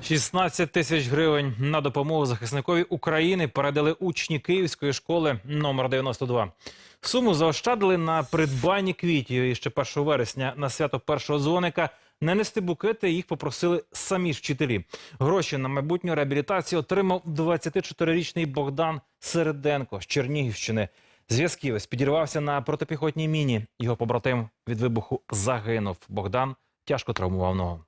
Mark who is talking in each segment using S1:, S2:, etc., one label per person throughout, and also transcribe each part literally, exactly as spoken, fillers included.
S1: шістнадцять тисяч гривень на допомогу захисникові України передали учні Київської школи номер дев'яносто два. Суму заощадили на придбанні квітів. І ще першого вересня на свято першого дзвоника не нести букети їх попросили самі ж вчителі. Гроші на майбутню реабілітацію отримав двадцятичотирирічний Богдан Середенко з Чернігівщини. Зв'язківець підірвався на протипіхотній міні. Його побратим від вибуху загинув. Богдан тяжко травмував ногу.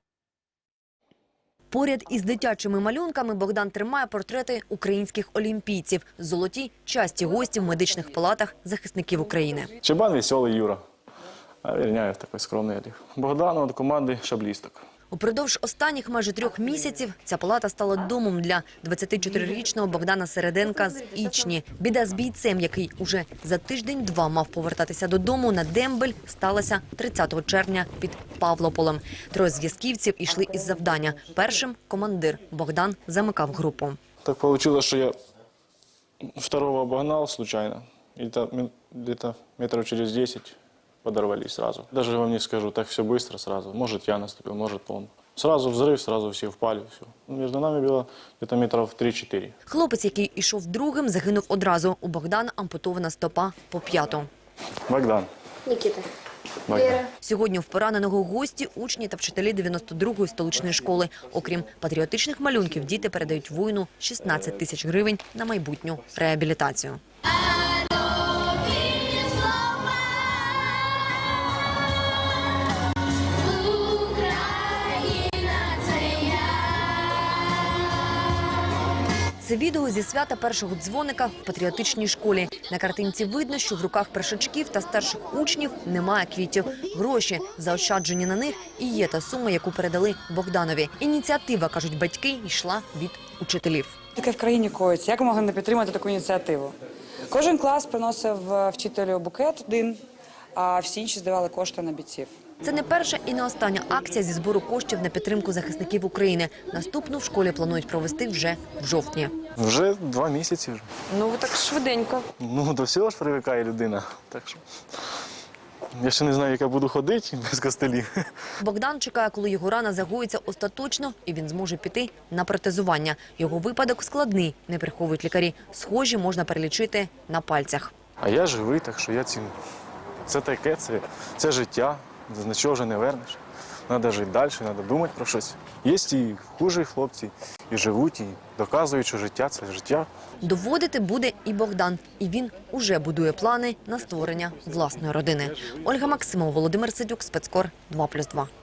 S2: Поряд із дитячими малюнками Богдан тримає портрети українських олімпійців. Золоті – часті гості в медичних палатах захисників України.
S3: Чебан веселий Юра, а Верняєв такий скромний Олег. Богдан від команди шаблісток.
S2: Упродовж останніх майже трьох місяців ця палата стала домом для двадцятичотирирічного Богдана Середенка з Ічні. Біда з бійцем, який уже за тиждень-два мав повертатися додому на дембель, сталася тридцятого червня під Павлополем. Троє зв'язківців йшли із завдання. Першим – командир. Богдан замикав групу.
S3: Так вийшло, що я второго обогнав случайно. І десь метрів через десять подорвались сразу. Даже вам не скажу, так все быстро сразу. Может, я наступил, может, он. Сразу взрыв, сразу все впали. Все. Между нами было где-то метров три-чотири.
S2: Хлопець, який ішов другим, загинув одразу. У Богдана ампутована стопа по п'яту.
S3: Богдан.
S4: Нікіта.
S3: Богдан.
S2: Сьогодні в пораненого гості – учні та вчителі дев'яносто другої столичної школи. Окрім патріотичних малюнків, діти передають воїну шістнадцять тисяч гривень на майбутню реабілітацію. Це відео зі свята першого дзвоника в патріотичній школі. На картинці видно, що в руках першачків та старших учнів немає квітів. Гроші, заощаджені на них, і є та сума, яку передали Богданові. Ініціатива, кажуть батьки, йшла від учителів.
S5: Таке в країні коїться. Як ми могли не підтримати таку ініціативу? Кожен клас приносив вчителю букет один, а всі інші здавали кошти на бійців.
S2: Це не перша і не остання акція зі збору коштів на підтримку захисників України. Наступну в школі планують провести вже в жовтні.
S3: Вже два місяці. Вже.
S4: Ну, ви так швиденько.
S3: Ну, до всього ж привикає людина. Так що я ще не знаю, як я буду ходити без костелів.
S2: Богдан чекає, коли його рана загоїться остаточно, і він зможе піти на протезування. Його випадок складний, не приховують лікарі. Схожі можна перелічити на пальцях.
S3: А я живий, так що я ціную. Це таке, це, це життя. З нічого вже не вернеш. Треба жити далі, треба думати про щось. Є і хужі хлопці, і живуть, і доказують, що життя – це життя.
S2: Доводити буде і Богдан. І він уже будує плани на створення власної родини. Ольга Максимова, Володимир Сидюк, Спецкор два плюс два.